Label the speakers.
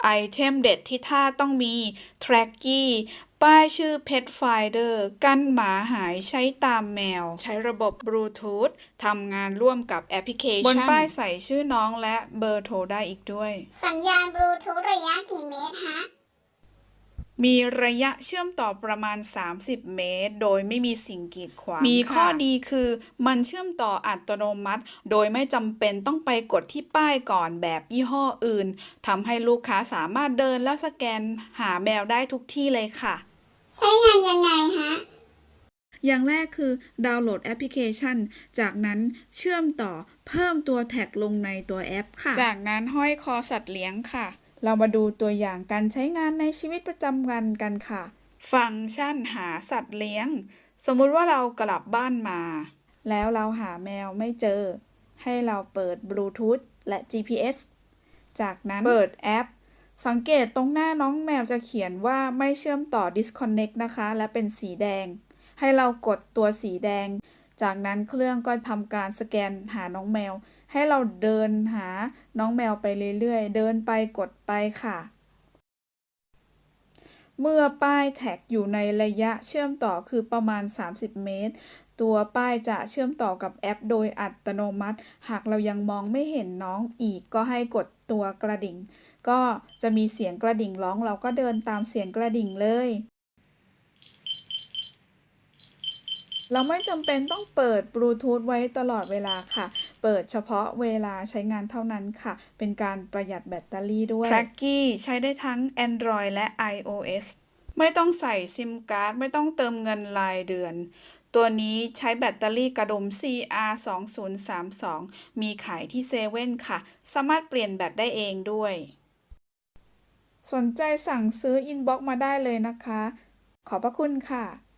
Speaker 1: ไอเทมเด็ดที่ท่าต้องมี Tracky ป้ายชื่อ Pet Finder กันหมาหายใช้ตามแมว ใช้ระบบบลูทูธทำงานร่วมกับแอปพลิเคชัน บนป้ายใส่ชื่อน้องและเบอร์โทรได้อีกด้วย
Speaker 2: สัญญาณบลูทูธระยะกี่เมตรฮะ
Speaker 1: มีระยะเชื่อมต่อประมาณ 30 เมตร โดยไม่มีสิ่งกีดขวาง มีข้อดีคือมันเชื่อมต่ออัตโนมัติ โดยไม่จำเป็นต้องไปกดที่ป้ายก่อนแบบยี่ห้ออื่น ทำให้ลูกค้าสามารถเดินและสแกนหาแมวได้ทุกที่เลยค่ะ
Speaker 2: ใช้งานยังไงฮะ
Speaker 1: อย่างแรกคือดาวน์โหลดแอปพลิเคชัน จากนั้นเชื่อมต่อเพิ่มตัวแท็กลงในตัวแอปค่ะ จากนั้นห้อยคอสัตว์เลี้ยงค่ะ เรามาดูตัวอย่างการใช้งานในชีวิตประจำวันกันค่ะ ฟังก์ชันหาสัตว์เลี้ยง สมมุติว่าเรากลับบ้านมา แล้วเราหาแมวไม่เจอ ให้เราเปิดบลูทูธและ GPS จากนั้นเปิดแอป สังเกตตรงหน้าน้องแมวจะเขียนว่าไม่เชื่อมต่อ disconnect นะคะ และเป็นสีแดง ให้เรากดตัวสีแดง จากนั้นเครื่องก็ทำการสแกนหาน้องแมว ให้เราเดินหาน้องแมวไปเรื่อยๆ เดินไปกดไปค่ะ เมื่อป้ายแท็กอยู่ในระยะเชื่อมต่อคือประมาณ 30 เมตร ตัวป้ายจะเชื่อมต่อกับแอปโดยอัตโนมัติ หากเรายังมองไม่เห็นน้องอีกก็ให้กดตัวกระดิ่ง ก็จะมีเสียงกระดิ่งร้องเราก็เดินตามเสียงกระดิ่งเลย เราไม่จำเป็นต้องเปิดบลูทูธไว้ตลอดเวลาค่ะ เปิดเฉพาะเวลาใช้งานเท่านั้นค่ะ เป็นการประหยัดแบตเตอรี่ด้วย Tracky ใช้ได้ทั้ง Android และ iOS ไม่ต้องใส่ซิมการ์ด ไม่ต้องเติมเงินรายเดือน ตัวนี้ใช้แบตเตอรี่กระดุม CR2032 มีขายที่เซเว่นค่ะ สามารถเปลี่ยนแบตได้เองด้วย สนใจสั่งซื้ออินบ็อกซ์มาได้เลยนะคะ ขอบพระคุณค่ะ